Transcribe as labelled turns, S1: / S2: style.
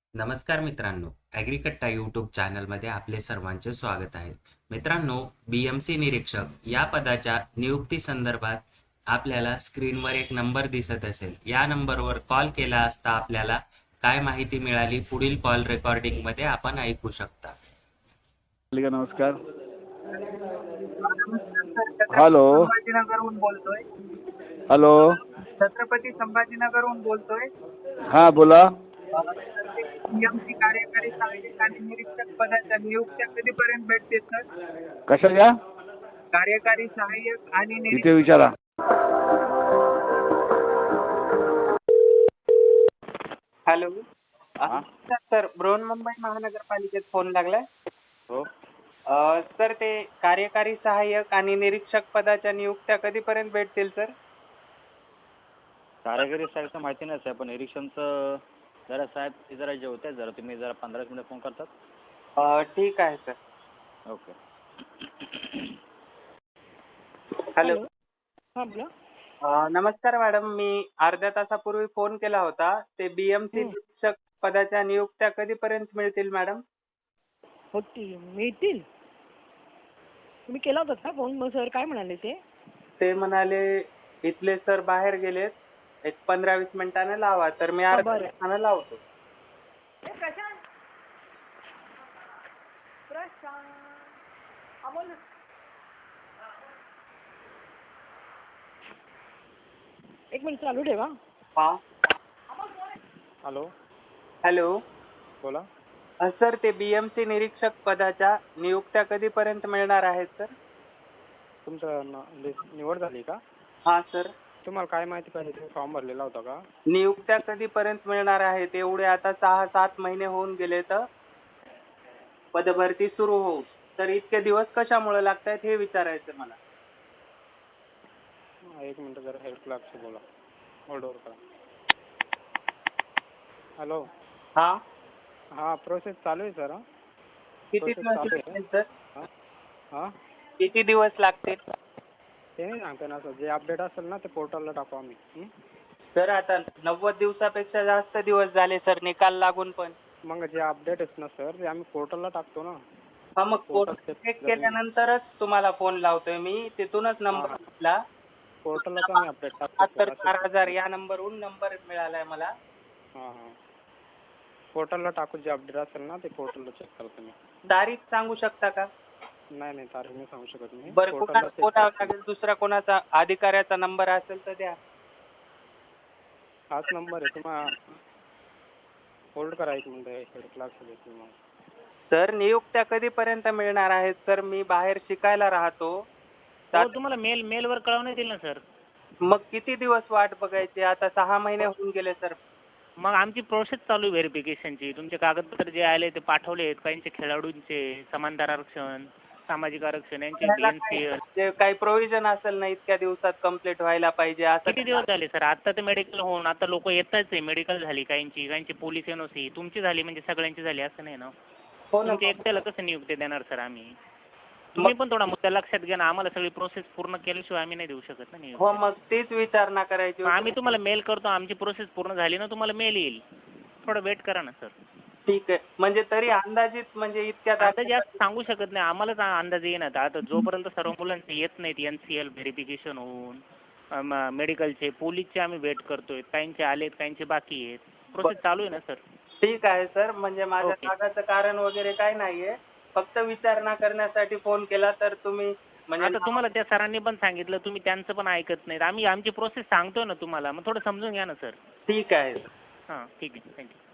S1: नमस्कार मित्रांनो, ॲग्रीकट्टा यूट्यूब चॅनलमध्ये आपले सर्वांचे स्वागत आहे. मित्रांनो, BMC निरीक्षक या पदाच्या नियुक्ती संदर्भात आपल्याला स्क्रीनवर एक नंबर दिसत असेल. या नंबरवर कॉल केला असता आपल्याला काय माहिती मिळाली पुढील कॉल रेकॉर्डिंगमध्ये आपण ऐकू शकता.
S2: नमस्कार. हॅलो.
S3: संभाजीनगरहून बोलतोय.
S2: हॅलो.
S3: छत्रपती संभाजीनगरहून बोलतोय.
S2: हां बोला.
S3: BMC कार्यकारी सहाय्यक आणि निरीक्षक पदाच्या नियुक्त्या कधीपर्यंत भेटतील सर?
S2: कशाच्या?
S3: कार्यकारी सहाय्यक आणि
S2: तिथे विचारा.
S3: हॅलो.
S2: हां.
S3: सर, बृहन्मुंबई महानगरपालिकेत फोन लागलाय.
S2: हो.
S3: सर, ते कार्यकारी सहाय्यक आणि निरीक्षक पदाच्या नियुक्त्या कधीपर्यंत भेटतील सर?
S2: कार्यकारी साहेबचं माहिती नाही साहेब, पण निरीक्षणचं जरा साहेब ते जरा जेवतात जरा, तुम्ही जरा 15 मिनिटं फोन करतात.
S3: ठीक आहे सर.
S2: ओके.
S3: हॅलो.
S4: हां बोला.
S3: नमस्कार मॅडम, मी अर्ध्या तासापूर्वी फोन केला होता. ते BMC निरीक्षक पदाच्या नियुक्त्या कधीपर्यंत मिळतील मॅडम?
S4: होतील, मिळतील. तुम्ही केला होता का फोन? मग सर काय म्हणाले ते?
S3: ते म्हणाले इथले सर बाहेर गेलेत, एक 15-20 मिनिटानं लावा. तर मी अर्ध्या
S4: बरं.
S3: तासानं लावतो.
S4: एक मिनिट चालू ठेवा.
S3: हा.
S2: हॅलो.
S3: हॅलो.
S2: बोला.
S3: सर, ते BMC निरीक्षक पदाच्या नियुक्त्या कधीपर्यंत मिळणार आहेत सर?
S2: तुमचं निवड झाली का?
S3: हा सर.
S2: तुम्हाला काय माहिती पाहिजे? तुम्ही फॉर्म भरलेला होता का?
S3: नियुक्त्या कधीपर्यंत मिळणार आहेत? एवढे आता 6-7 महिने होऊन गेले तर पदभरती सुरू होऊ. तर इतके दिवस कशामुळे लागतायत हे विचारायचं मला.
S2: एक मिनिट जरा हेल्प क्लासशी बोला. होल्ड ओव्हर करा. हॅलो.
S3: हा.
S2: हां, प्रोसेस चालू आहे सर.
S3: किती
S2: प्रोसेस
S3: दिवस
S2: चालू आहे.
S3: लागतील सर?
S2: हां.
S3: किती दिवस लागतील?
S2: ते नाही सांगता ना सर, जे अपडेट असेल ना ते पोर्टलला टाकू आम्ही.
S3: सर, आता 90 दिवसापेक्षा जास्त दिवस झाले सर निकाल लागून पण.
S2: मग जे अपडेट आहेत ना सर ते आम्ही पोर्टलला टाकतो ना.
S3: हा, मग
S2: पोर्टल
S3: चेक केल्यानंतरच तुम्हाला फोन लावतोय मी. तिथूनच नंबर घेतला.
S2: पोर्टललाच आम्ही अपडेट टाकतो.
S3: 74,000 या नंबरहून नंबर मिळालाय मला.
S2: हां हां. पोर्टलला टाकू, जे अपडेट असेल ना ते पोर्टलला चेक करा तुम्ही.
S3: तारीख सांगू शकता का?
S2: नाही नाही, तारीख नाही सांगू शकत मी.
S3: बरं,
S2: पोर्टलला check
S3: कोणाला
S2: करा.
S3: लागेल? दुसरा कोणाचा अधिकाऱ्याचा नंबर असेल तर द्या.
S2: हाच नंबर आहे. तुम्हाला होल्ड करा एक मिनिट, हेड क्लास देतो मग.
S3: सर, नियुक्त्या कधीपर्यंत मिळणार आहेत सर? मी बाहेर शिकायला राहतो.
S4: हो, तुम्हाला मेलवर कळवण्यात येईल ना सर.
S3: मग किती दिवस वाट बघायची? आता 6 महिने होऊन गेले सर.
S4: मग आमची प्रोसेस चालू आहे व्हेरिफिकेशनची. तुमचे कागदपत्र जे आले ते पाठवले आहेत. काहींचे खेळाडूंचे समांतर आरक्षण, सामाजिक आरक्षण यांचे BNCL.
S3: जे काही प्रोव्हिजन असेल ना इतक्या दिवसात कंप्लीट व्हायला पाहिजे असं.
S4: किती दिवस झाले सर? आता तर मेडिकल होऊन आता लोक येतच आहे. मेडिकल झाली काहींची पोलीस NOC. तुमची झाली म्हणजे सगळ्यांची झाली असं नाही ना.
S3: हो ना.
S4: तुमच्या एकट्याला कसं नियुक्ती देणार सर आम्ही? तुम्ही पण थोडा मुद्दा लक्षात घ्या ना. आम्हाला सगळी प्रोसेस पूर्ण केल्याशिवाय आम्ही नाही देऊ शकत ना नियुक्ती.
S3: हो, मग तीच विचारणा करायची
S4: मग
S3: होती.
S4: आम्ही तुम्हाला मेल करतो. आमची प्रोसेस पूर्ण झाली ना तुम्हाला मेल येईल. थोडं वेट करा ना सर.
S3: ठीक आहे. म्हणजे तरी अंदाजित म्हणजे इतक्यात
S4: आता जास्त सांगू शकत नाही. आम्हालाच अंदाज येईनात. आता जोपर्यंत सर्व मुलांचे येत नाहीत NCL व्हेरिफिकेशन होऊन मेडिकलचे, पोलीसचे आम्ही वेट करतोय. काहींचे आलेत, काहींचे बाकी आहेत. प्रोसेस चालू आहे ना सर.
S3: ठीक आहे सर. म्हणजे माझ्या
S4: ओके.
S3: कागाचं कारण वगैरे काय नाहीये. फक्त विचारणा करण्यासाठी फोन केला तर तुम्ही म्हणजे
S4: आता तुम्हाला त्या सरांनी पण सांगितलं, तुम्ही त्यांचं पण ऐकत नाहीत. आम्ही आमची प्रोसेस सांगतोय ना तुम्हाला. मग थोडं समजून घ्या ना सर.
S3: ठीक आहे.
S4: हां, ठीक आहे. थँक्यू.